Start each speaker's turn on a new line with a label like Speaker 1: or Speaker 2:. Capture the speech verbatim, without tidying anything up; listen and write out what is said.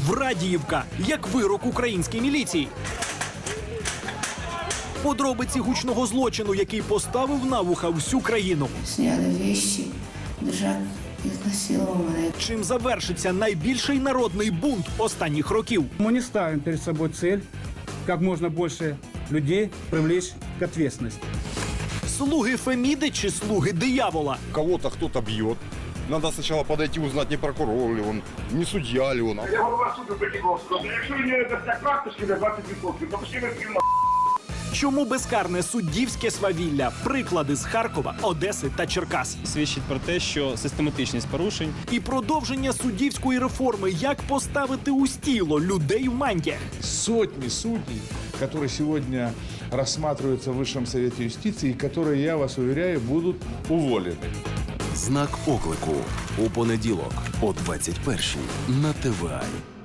Speaker 1: Врадіївка як вирок українській міліції. Подробиці гучного злочину, який поставив на вуха всю країну.
Speaker 2: Сняли вещи, держак изнасиловал меня.
Speaker 1: Чим завершиться найбільший народний бунт останніх років?
Speaker 3: Мы не ставим перед собой цель как можно больше людей привлечь к ответственности.
Speaker 1: Слуги Феміди чи слуги диявола?
Speaker 4: Кого-то кто-то бьет. Надо сначала подойти, узнать, не прокурор ли он, не судья ли он.
Speaker 5: Я голова суду Петіковського. Якщо він не дасть карточки на двадцять відсотків, то пошли фільм.
Speaker 1: Чому безкарне суддівське свавілля? Приклади з Харкова, Одеси та Черкас.
Speaker 6: Свідчить про те, що систематичність порушень
Speaker 1: І продовження суддівської реформи. Як поставити у стіло людей в мантіях?
Speaker 7: Сотни судей, которые сегодня рассматриваются в Высшем Совете юстиции, и которые, я вас уверяю, будут уволены.
Speaker 8: Знак оклику у понеділок о двадцять першій на ТВА.